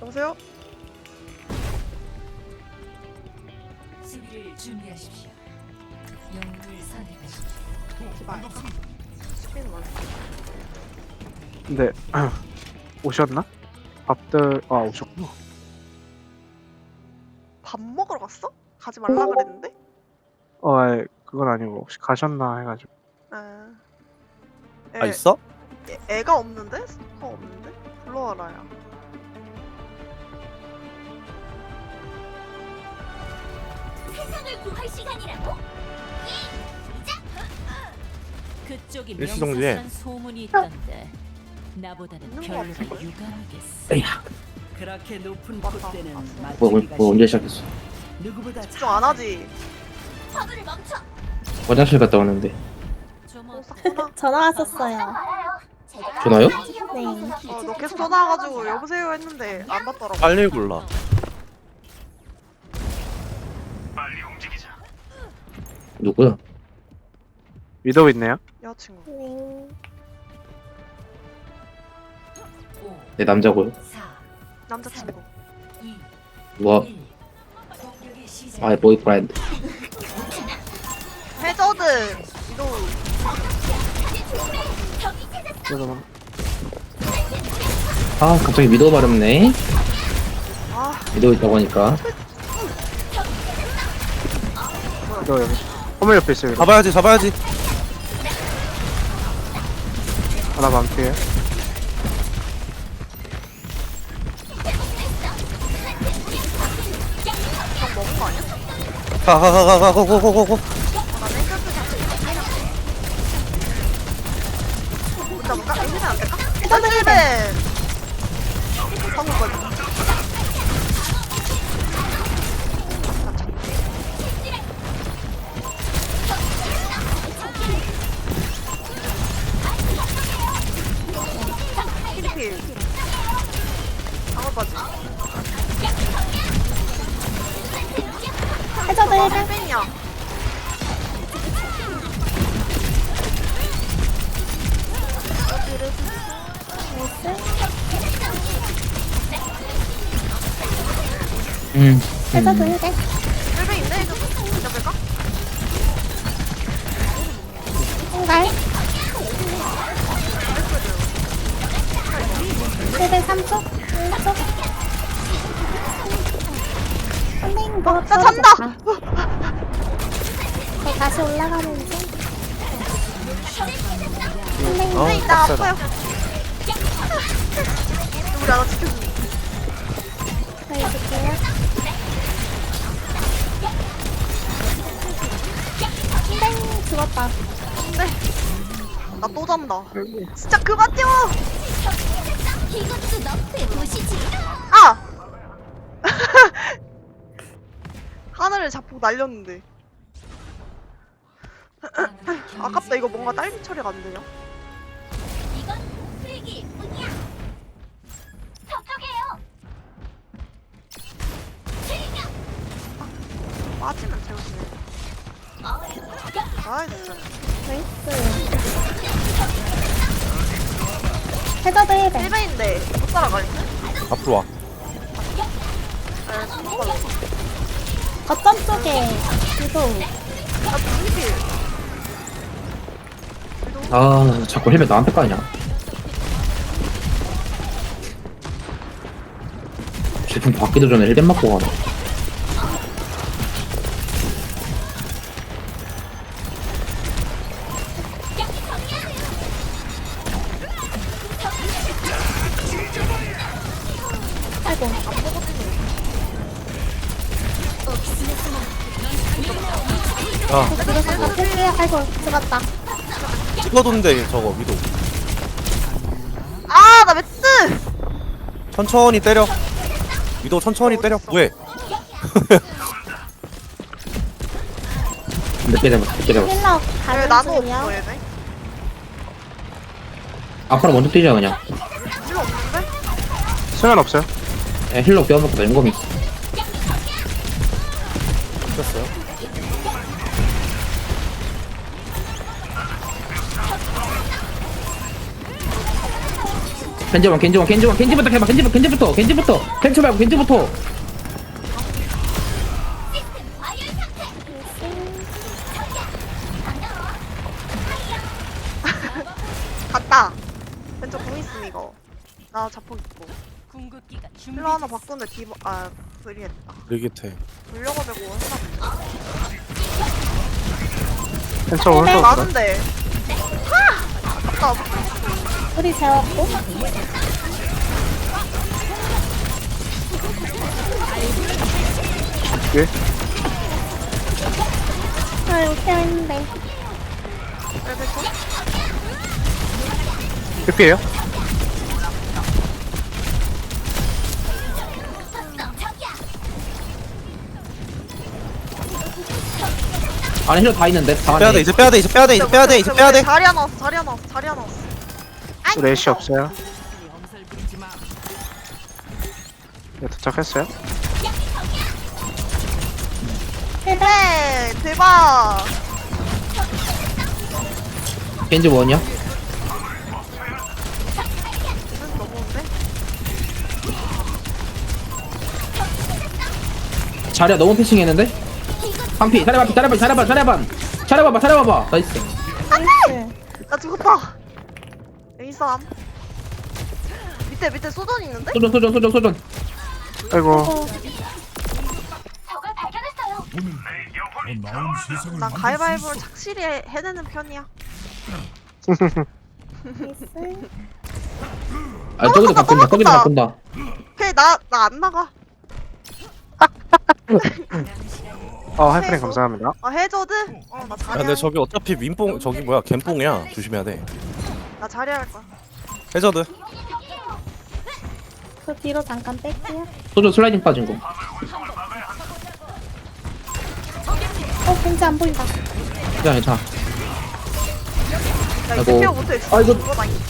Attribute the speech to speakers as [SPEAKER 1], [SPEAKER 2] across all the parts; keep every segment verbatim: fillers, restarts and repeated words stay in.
[SPEAKER 1] 여보세요?
[SPEAKER 2] 수비를 준비하십시오. 영웅을 선택하십시오.
[SPEAKER 1] 말까? 스피는 말.
[SPEAKER 3] 근데 오셨나? 밥들 아 오셨구나.
[SPEAKER 1] 밥 먹으러 갔어? 가지 말라 그랬는데?
[SPEAKER 3] 어 아이, 그건 아니고 혹시 가셨나 해가지고.
[SPEAKER 1] 아, 애,
[SPEAKER 4] 아 있어?
[SPEAKER 1] 애, 애가 없는데? 스토커 없는데? 불러와라야.
[SPEAKER 5] 세상을 구할 시간이라고?
[SPEAKER 2] 그쪽이
[SPEAKER 4] 일시정지해.
[SPEAKER 2] 명사스런 소문이 있던데 나보다는
[SPEAKER 1] 있는 거
[SPEAKER 2] 별로
[SPEAKER 1] 같은데?
[SPEAKER 2] 유감하겠어.
[SPEAKER 6] 에이야,
[SPEAKER 2] 그렇게 높은
[SPEAKER 1] 맞다.
[SPEAKER 2] 곳대는
[SPEAKER 1] 맞다.
[SPEAKER 6] 뭐, 뭐,
[SPEAKER 2] 맞추기가
[SPEAKER 6] 뭐 언제 시작했어?
[SPEAKER 2] 누구보다
[SPEAKER 1] 집중 안 하지?
[SPEAKER 5] 화분을 멈춰.
[SPEAKER 6] 화장실 갔다 왔는데.
[SPEAKER 2] 좀
[SPEAKER 1] 어,
[SPEAKER 2] 어때?
[SPEAKER 1] 싹구나.
[SPEAKER 7] 전화 왔었어요.
[SPEAKER 6] 전화요?
[SPEAKER 7] 네.
[SPEAKER 1] 어, 너 계속 전화와가지고 여보세요 했는데 안 받더라고.
[SPEAKER 4] 빨리 골라.
[SPEAKER 6] 누구야?
[SPEAKER 3] 위도우 있네요.
[SPEAKER 1] 여자친구.
[SPEAKER 7] 네.
[SPEAKER 2] 오,
[SPEAKER 6] 내 남자고요.
[SPEAKER 2] 사,
[SPEAKER 1] 남자친구.
[SPEAKER 2] 이,
[SPEAKER 6] 뭐,
[SPEAKER 2] 일. 공격의 시작.
[SPEAKER 6] 아이 보이프렌드.
[SPEAKER 1] 해저드! 이도
[SPEAKER 3] 그래서
[SPEAKER 6] 아, 갑자기 미도 발음네.
[SPEAKER 1] 아,
[SPEAKER 6] 미도 있다고 하니까.
[SPEAKER 3] 위도우 여기 허물 옆에 있어요. 위도우.
[SPEAKER 4] 잡아야지 잡아야지.
[SPEAKER 3] 하나 반피에.
[SPEAKER 1] 형 먹은 거 아니야?
[SPEAKER 4] 가 가 가 가 가 고고고고.
[SPEAKER 1] 나 냉장고 잡고 뭔가 뭔가? 에이벤 안 될까? 해저드 에이벤! 방금 거지. 필리필. 방어까지.
[SPEAKER 7] 해저드
[SPEAKER 1] 나
[SPEAKER 7] 일벤.
[SPEAKER 1] 헬벤이야.
[SPEAKER 6] 음.
[SPEAKER 7] 해저드
[SPEAKER 6] 음.
[SPEAKER 7] 일벤.
[SPEAKER 1] 헬벤 있네? 해저드. 잡을까?
[SPEAKER 7] 홍갈. 일벤 삼 초. 일 초. 선생님 뭐
[SPEAKER 1] 나 잔다!
[SPEAKER 7] 저 다시 올라가는 중. 선생님
[SPEAKER 4] 어,
[SPEAKER 1] 나
[SPEAKER 4] 빡세다.
[SPEAKER 1] 아파요. 우리 하나 지켜줘.
[SPEAKER 7] 보여줄게요. 땡 죽었다.
[SPEAKER 1] 나 또 잔다. 진짜 그만 뛰어!
[SPEAKER 5] 이것도 너프의 도시지.
[SPEAKER 1] 아! 하늘을 자꾸 날렸는데. 아깝다. 이거 뭔가 딸기 처리가 안 되냐?
[SPEAKER 5] 이건 쓰레기 뿐이야. 저쪽이에요.
[SPEAKER 1] 빠지면 재우시네. 아, 진짜.
[SPEAKER 7] 나이스. 해저드 일벤.
[SPEAKER 1] 일베인데 못 따라가겠네?
[SPEAKER 4] 앞으로 와.
[SPEAKER 1] 아, 못 따라가.
[SPEAKER 7] 거점 쪽에 유도.
[SPEAKER 1] 아, 필리필.
[SPEAKER 6] 아, 자꾸 헬멧 나한테 까냐? 제품 받기도 전에 헬멧 맞고 가네.
[SPEAKER 7] 아이고.
[SPEAKER 4] 아
[SPEAKER 7] 죽었다. 필기야. 아이고 죽었다.
[SPEAKER 4] 찍어둔데 저거 위도.
[SPEAKER 1] 아, 나 매트!
[SPEAKER 4] 천천히 때려. 위도 천천히 때려. 왜?
[SPEAKER 6] 몇개 잡았어, 몇개 잡았어.
[SPEAKER 7] 힐러
[SPEAKER 1] 왜
[SPEAKER 7] 가는
[SPEAKER 1] 나도
[SPEAKER 7] 중이요.
[SPEAKER 1] 없어, 얘네?
[SPEAKER 6] 앞으로 먼저 뛰자, 그냥.
[SPEAKER 1] 필요 없는데?
[SPEAKER 3] 수면 없어요.
[SPEAKER 6] 야, 힐러 껴놓고 나 용검 있어.
[SPEAKER 4] 됐어요.
[SPEAKER 6] 겐지원 겐지원 겐지원 겐지부터 해봐 겐지부터 겐지부터 겐지부터 겐지 말고 겐지부터.
[SPEAKER 1] 갔다. 왼쪽 공 있음 이거. 나 자폭 있고.
[SPEAKER 2] 궁극기가
[SPEAKER 1] 힐러 하나
[SPEAKER 2] 준비됐어.
[SPEAKER 1] 바꾸는데 디버 아 불이했다.
[SPEAKER 4] 리기태.
[SPEAKER 1] 물려가지고 해나.
[SPEAKER 3] 펜처
[SPEAKER 1] 어,
[SPEAKER 3] 오른쪽 없어.
[SPEAKER 1] 많은데. 하! 아까
[SPEAKER 7] 우리 재웠고.
[SPEAKER 3] 뒤에.
[SPEAKER 7] 아, 이거 케어했는데.
[SPEAKER 1] 벨벳
[SPEAKER 3] 피피에요?
[SPEAKER 6] 안에 힐러 다 있는데 다
[SPEAKER 4] 빼야 돼
[SPEAKER 6] 안에.
[SPEAKER 4] 이제 빼야 돼 이제 빼야 돼 이제 빼야 돼 이제 빼야 돼.
[SPEAKER 1] 자리 하나 왔어. 자리 하나 왔어. 자리 하나 왔어.
[SPEAKER 3] 우리 애쉬 없어요.
[SPEAKER 2] 엄살 부리지 마.
[SPEAKER 3] 네, 도착했어요.
[SPEAKER 1] 네, 대박.
[SPEAKER 6] 겐지 원이야?
[SPEAKER 1] 이건 너무한데?
[SPEAKER 6] 자리야 너무 패싱했는데? 한피 자리야 자리야 자리야 자리야 자리야 자리야 봐봐 나이스.
[SPEAKER 7] 나이스.
[SPEAKER 1] 나 죽었다. 에이삼. 밑에 밑에 소전 있는데?
[SPEAKER 6] 소전 소전 소전 소전.
[SPEAKER 3] 아이고.
[SPEAKER 7] 어,
[SPEAKER 5] 적을 발견했어요.
[SPEAKER 1] 난 가위바위보를 착실히 해- 해내는 편이야.
[SPEAKER 7] 나이스.
[SPEAKER 6] 아 저기도
[SPEAKER 1] 또
[SPEAKER 6] 바꾼다 저기도
[SPEAKER 1] 바꾼다.
[SPEAKER 6] 바꾼다.
[SPEAKER 1] 그래 나나 안 나가.
[SPEAKER 3] 어, 하이프님 감사합니다.
[SPEAKER 1] 아 해저드? 어나
[SPEAKER 4] 야
[SPEAKER 1] 자리.
[SPEAKER 4] 근데 저기 어차피 윈뽕 저기 뭐야 갬뽕이야. 조심해야 돼.
[SPEAKER 1] 나 자리 할 거야.
[SPEAKER 4] 해저드.
[SPEAKER 7] 그 뒤로 잠깐 뺄게요.
[SPEAKER 6] 소전 슬라이딩 빠진 거.
[SPEAKER 7] 어, 겐지 안 보인다.
[SPEAKER 6] 괜찮아 괜찮아.
[SPEAKER 1] 야
[SPEAKER 6] 아이고.
[SPEAKER 1] 이거 피어 못해.
[SPEAKER 6] 아이고.
[SPEAKER 1] 이거 나 이-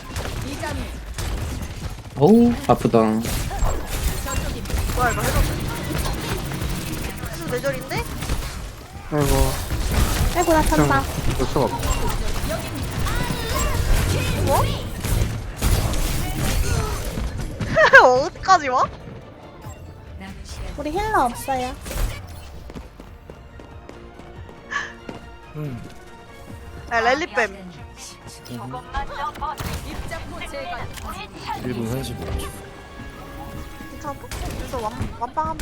[SPEAKER 6] 어우 아프다.
[SPEAKER 1] 뭐야 이거 해저드? 해저드 내절인데?
[SPEAKER 3] 아이고.
[SPEAKER 7] 아이고, 나 찬다.
[SPEAKER 3] 볼 수가 없어.
[SPEAKER 1] 뭐? 어디까지 와?
[SPEAKER 2] 남은 시간
[SPEAKER 7] 우리 힐러 없어요.
[SPEAKER 4] 음.
[SPEAKER 1] 야 랠리뱀.
[SPEAKER 4] 일 분 삼십오 초.
[SPEAKER 1] 괜찮아? 그래서 완, 완빵하면 돼.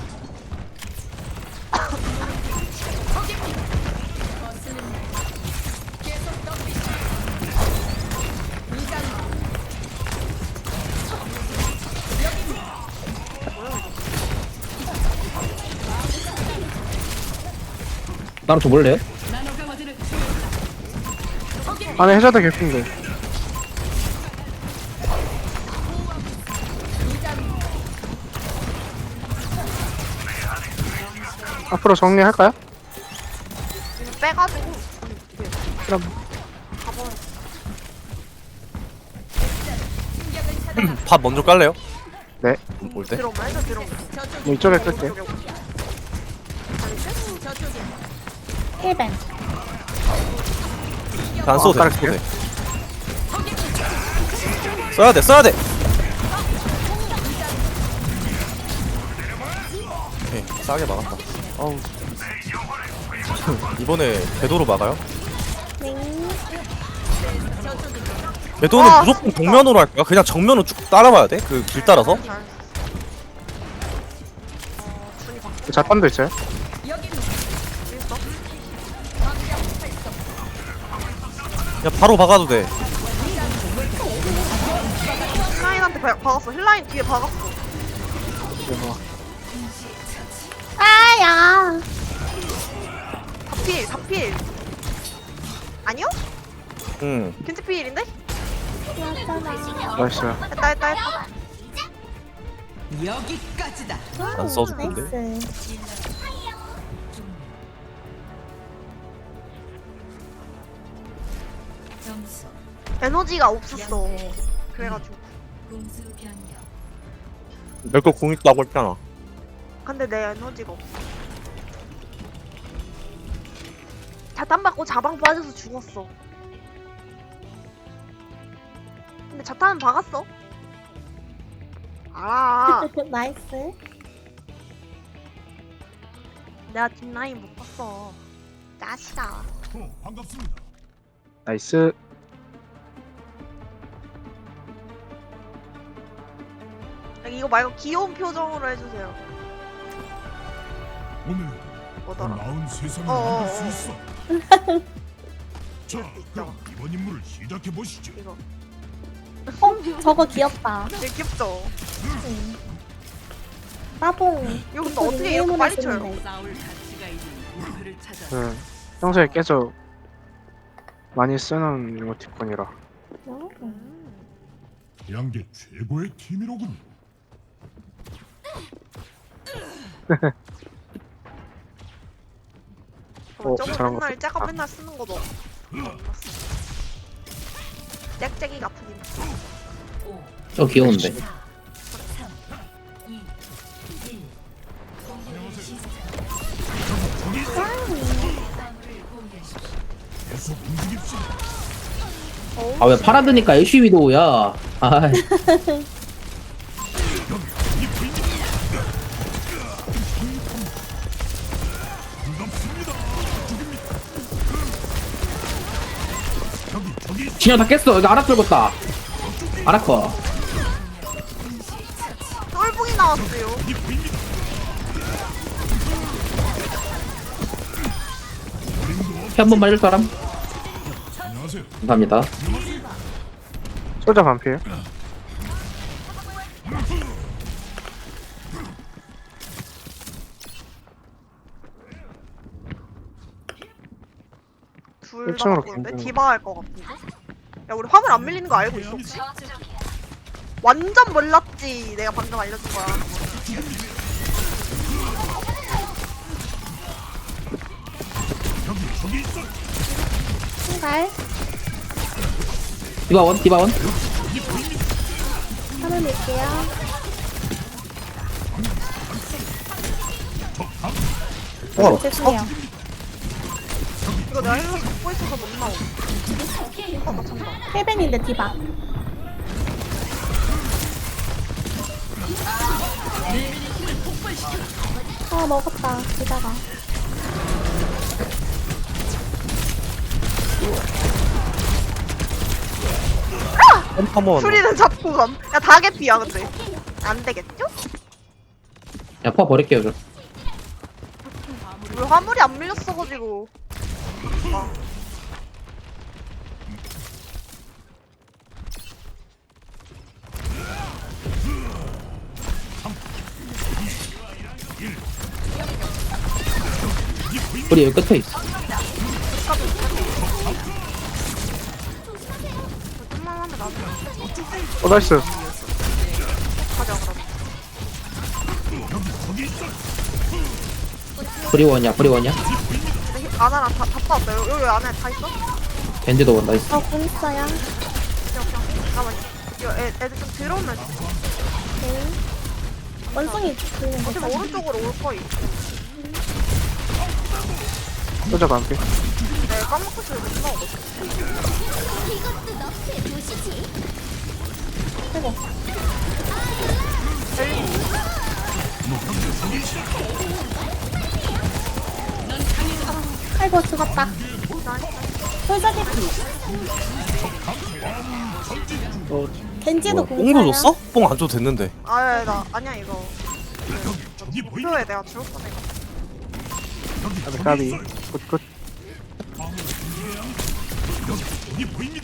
[SPEAKER 6] 나랑 좀 볼래요?
[SPEAKER 3] 안에 해저드 개핀데. 앞으로 정리할까요?
[SPEAKER 1] 이거 빼가지고
[SPEAKER 3] 그럼
[SPEAKER 1] 가버려.
[SPEAKER 4] 밥 먼저 깔래요?
[SPEAKER 3] 네.
[SPEAKER 4] 올 때?
[SPEAKER 1] 들어오면 해저 들어오면.
[SPEAKER 3] 뭐 이쪽에 끌게요.
[SPEAKER 7] 힐벤.
[SPEAKER 4] 안 써도 돼.
[SPEAKER 3] 어,
[SPEAKER 4] 안 써도 돼. 써야 돼. 써야 돼. 오케이, 싸게 막았다. 어우. 이번에 궤도로 막아요?
[SPEAKER 7] 네.
[SPEAKER 4] 궤도는
[SPEAKER 1] 와,
[SPEAKER 4] 무조건
[SPEAKER 1] 진짜.
[SPEAKER 4] 정면으로 할 거야? 그냥 정면으로 쭉 따라가야 돼? 그 길 따라서?
[SPEAKER 1] 잘했어. 어, 준이 바
[SPEAKER 3] 자판도 있어요?
[SPEAKER 1] 있어?
[SPEAKER 4] 그냥 바로 박아도 돼.
[SPEAKER 1] 힐라인한테 바, 박았어. 힐라인 뒤에 박았어.
[SPEAKER 3] 그래서
[SPEAKER 7] 아야.
[SPEAKER 1] 다필, 다필. 아니요?
[SPEAKER 4] 응.
[SPEAKER 1] 겐지필인데?
[SPEAKER 7] 맞잖아.
[SPEAKER 3] 나이스.
[SPEAKER 1] 했다, 했다, 했다.
[SPEAKER 2] 여기까지다.
[SPEAKER 4] 안 써줄 건데?
[SPEAKER 7] 나이스.
[SPEAKER 2] 점수
[SPEAKER 1] 에너지가 없었어.
[SPEAKER 2] 영대
[SPEAKER 1] 그래가지고.
[SPEAKER 2] 공수 변경.
[SPEAKER 4] 내거 공 있다고 했잖아.
[SPEAKER 1] 근데 내 에너지가 없어. 자탄 받고 자방 빠져서 죽었어. 근데 근데 자탄은 박았어. 알아.
[SPEAKER 7] 나이스.
[SPEAKER 1] 내가 뒷라인 못 봤어. 짜시다.
[SPEAKER 3] 나이스.
[SPEAKER 1] 이거 말고 귀여운 표정으로 해주세요.
[SPEAKER 8] 오늘
[SPEAKER 1] 뭐더라?
[SPEAKER 8] 나은 세상을
[SPEAKER 1] 어어어.
[SPEAKER 8] 만들 수 있어. 자, 그럼 이번 임무를 시작해 보시죠.
[SPEAKER 1] 이거
[SPEAKER 7] 어, 저거 귀엽다.
[SPEAKER 1] 되게 귀엽죠?
[SPEAKER 7] 응. 따봉.
[SPEAKER 1] 이거 근데 어떻게 이렇게 빨리 쳐요?
[SPEAKER 2] 싸울 가치가 있는 목표를 찾아.
[SPEAKER 3] 그 평소에 계속 많이 쓰는 이모티콘이라.
[SPEAKER 7] 음.
[SPEAKER 8] 양계 최고의 팀이로군.
[SPEAKER 3] 어,
[SPEAKER 1] 저거
[SPEAKER 3] 잘한 것
[SPEAKER 1] 맨날
[SPEAKER 3] 같다.
[SPEAKER 1] 째가 맨날 쓰는 거도 짹짹이 같은 임.
[SPEAKER 2] 오,
[SPEAKER 6] 저 귀여운데.
[SPEAKER 2] 삼, 이, 일. 공격을 시작합니다. 화물을 공개하십시오.
[SPEAKER 8] 계속 움직입시다.
[SPEAKER 6] 아 왜 파라드니까 애쉬 위도우야. 아이.
[SPEAKER 8] 반갑습니다. 저기 저기
[SPEAKER 6] 진영 다 깼어. 이거 아라 떨궜다. 아라커.
[SPEAKER 1] 똘봉이 나왔어요.
[SPEAKER 8] 저기 보입니다.
[SPEAKER 6] 피 한 번만 해줄 사람?
[SPEAKER 8] 안녕하세요.
[SPEAKER 6] 감사합니다.
[SPEAKER 3] 소자 반피에.
[SPEAKER 1] 둘 다
[SPEAKER 3] 일층으로
[SPEAKER 1] 바꾸는데
[SPEAKER 3] 공공.
[SPEAKER 1] 디바 할 것 같은데? 야 우리 화물 안 밀리는 거 알고 있어 혹시? 완전 몰랐지. 내가 방금 알려준 거야.
[SPEAKER 8] 저기 저기 있어.
[SPEAKER 7] 신발.
[SPEAKER 6] 디바원, 디바원.
[SPEAKER 7] 하나 밀게요.
[SPEAKER 4] 어,
[SPEAKER 7] 죄송해요.
[SPEAKER 1] 이거 내가 힐러 잡고 있어서 못 나오. 어, 나 찬다.
[SPEAKER 7] 헬벤인데 디바. 아 먹었다. 디바가.
[SPEAKER 4] 한번
[SPEAKER 1] 수리는 잡고 감. 야 다 개피야 근데. 안 되겠죠?
[SPEAKER 6] 야, 포화 버릴게요, 저.
[SPEAKER 1] 우리 화물이 안 밀렸어가지고. 아.
[SPEAKER 6] 우리 여기 끝에 있어.
[SPEAKER 1] 좀만 하면 나중에
[SPEAKER 3] 어 나이스.
[SPEAKER 1] 가자 그럼.
[SPEAKER 6] 브리원이야, 브리원이야.
[SPEAKER 1] 근데 히- 아나랑 다, 다 빠졌다. 여기, 여기 안에 다 있어?
[SPEAKER 6] 밴드도 온다 있어.
[SPEAKER 7] 어, 공 있어요.
[SPEAKER 1] 그냥 그냥 잠깐만. 이거 애, 애들 좀 들어오면
[SPEAKER 7] 네. 원숭이 보이는
[SPEAKER 1] 어차피
[SPEAKER 7] 거.
[SPEAKER 1] 오른쪽으로 올 거임.
[SPEAKER 3] 소자 반피.
[SPEAKER 1] 네, 까먹고 있어요. 못 나오거든.
[SPEAKER 7] 아이고. 아이고 죽었다. 솔저기
[SPEAKER 3] 어
[SPEAKER 7] 겐지도
[SPEAKER 4] 뽕도
[SPEAKER 7] 공짜야.
[SPEAKER 4] 줬어? 뽕 안 줘도 됐는데.
[SPEAKER 1] 아, 나 아니야 이거.
[SPEAKER 8] 저기 보입니다.
[SPEAKER 1] 목표에 내가 죽을 뻔해.
[SPEAKER 3] 까비 까비. 굿굿.
[SPEAKER 8] 저기 보입니다.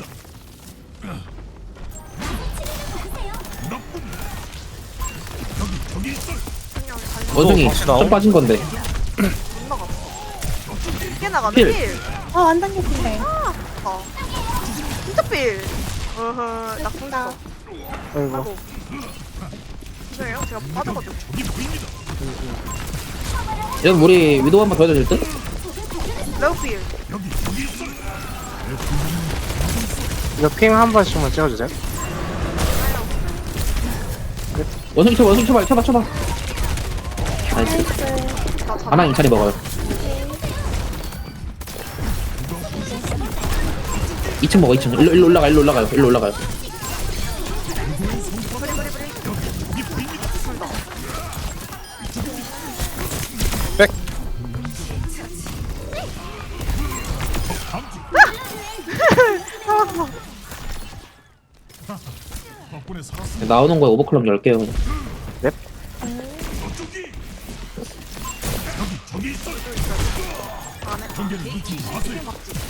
[SPEAKER 8] 나쁜. 저기 저기 있어.
[SPEAKER 1] 그냥 달려.
[SPEAKER 6] 원숭이
[SPEAKER 4] 다시 나옴?
[SPEAKER 6] 좀 빠진 건데.
[SPEAKER 1] 못 나갔어. 이게 나가네.
[SPEAKER 6] 필.
[SPEAKER 1] 필.
[SPEAKER 7] 어 완전 개핀데.
[SPEAKER 1] 아, 진짜 필. 어허, 나 궁 있어.
[SPEAKER 3] 아이고.
[SPEAKER 1] 아이고. 죄송해요. 제가 빠져가지고.
[SPEAKER 8] 저기 보입니다.
[SPEAKER 6] 여러분 우리 위도우 한번 더 해도 될 듯?
[SPEAKER 1] 레오필.
[SPEAKER 8] 여기 저기 있어.
[SPEAKER 3] 이거 핑 한 번씩만 찍어주세요.
[SPEAKER 6] 원숭이 쳐봐, 원숭이 쳐봐, 쳐봐, 쳐봐. 나이스.
[SPEAKER 7] 나이스.
[SPEAKER 1] 나 잡아.
[SPEAKER 6] 하나 인찬이 먹어요. 이 층 먹어, 이 층. 일로, 일로 올라가, 일로 올라가요, 일로 올라가요. 나오는 거에 오버클럭 열 개요 그냥.
[SPEAKER 8] 저기 저기 있어.
[SPEAKER 1] 안에
[SPEAKER 8] 경계를 놓치지 마세요.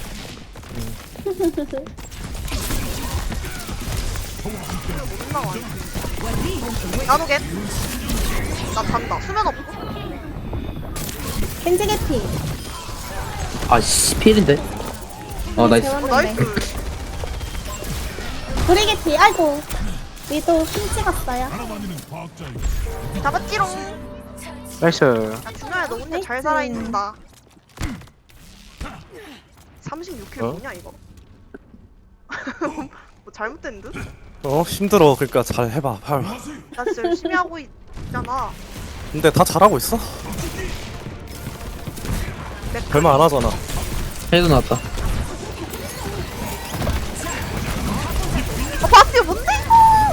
[SPEAKER 1] 못 나와. 나노겟. 나 잔다. 수면 없고.
[SPEAKER 7] 겐지 개피.
[SPEAKER 6] 아씨 필인데. 어 나이스.
[SPEAKER 1] 어,
[SPEAKER 7] 재웠는데.
[SPEAKER 1] 나이스.
[SPEAKER 7] 우리 개피. 아이고. 위도 핀 찍었어요.
[SPEAKER 8] 알아다니는 과학자의
[SPEAKER 1] 잡았지롱.
[SPEAKER 3] 나이스.
[SPEAKER 1] 야, 준호야, 너 근데 잘
[SPEAKER 7] 나이스.
[SPEAKER 1] 살아있는다. 삼십육 킬
[SPEAKER 4] 어?
[SPEAKER 1] 뭐냐, 이거? 뭐 잘못된 듯?
[SPEAKER 4] 어 힘들어. 그러니까 잘 해봐. 팔.
[SPEAKER 1] 나 진짜 열심히 하고 있잖아.
[SPEAKER 4] 근데 다 잘하고 있어. 별말 안 하잖아.
[SPEAKER 6] 헤드 나왔다.
[SPEAKER 1] 아, 바스티오 뭔데, 이거?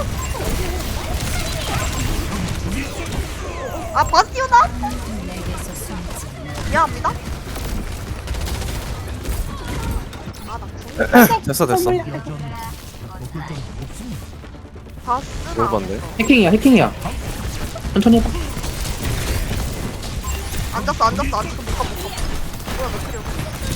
[SPEAKER 1] 아, 바스티오 나왔어. 미안합니다. 아, 나 궁.
[SPEAKER 4] 됐어 됐어.
[SPEAKER 1] 바스나.
[SPEAKER 4] 뭘 봤네.
[SPEAKER 6] 해킹이야 해킹이야. 천천히 해봐.
[SPEAKER 1] 앉았어, 앉았어, 앉았어. 못 가, 못 가. 뭐야, 몇 킬이야?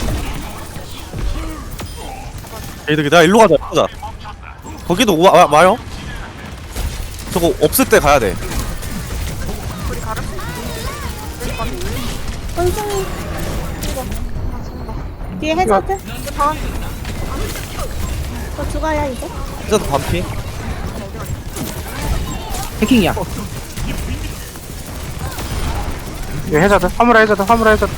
[SPEAKER 4] 얘들 내가 일로 가자. 가자. 거기도 와, 와 와요. 저거 없을 때 가야 돼.
[SPEAKER 1] 우리 가름? 왜 가름?
[SPEAKER 7] 원숭이.
[SPEAKER 1] 아, 정말.
[SPEAKER 7] 뒤에 해저드.
[SPEAKER 1] 이거 다
[SPEAKER 7] 저 죽어요 이제.
[SPEAKER 4] 진짜 반피.
[SPEAKER 6] 해킹이야.
[SPEAKER 3] 이거 해자드. 화물에 해자드. 화물에 해자드.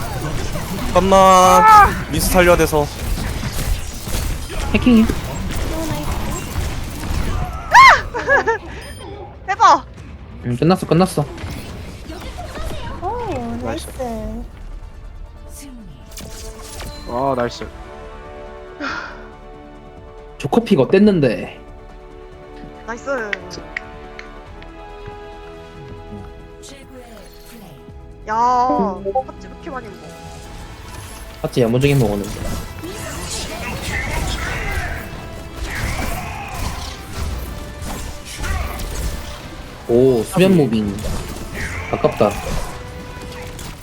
[SPEAKER 4] 잠깐만. 미스 살려야 돼서.
[SPEAKER 6] 해킹이야.
[SPEAKER 1] 해봐.
[SPEAKER 6] 음 끝났어 끝났어.
[SPEAKER 7] 오 나이스.
[SPEAKER 2] 승리.
[SPEAKER 3] 아 나이스.
[SPEAKER 6] 조커피가 어땠는데?
[SPEAKER 1] 나이스.
[SPEAKER 2] 최고의 플레이.
[SPEAKER 1] 야, 팥집 이렇게 많이 먹어.
[SPEAKER 6] 맞지 야무지게 먹었는데. 오 수면 무빙. 아깝다.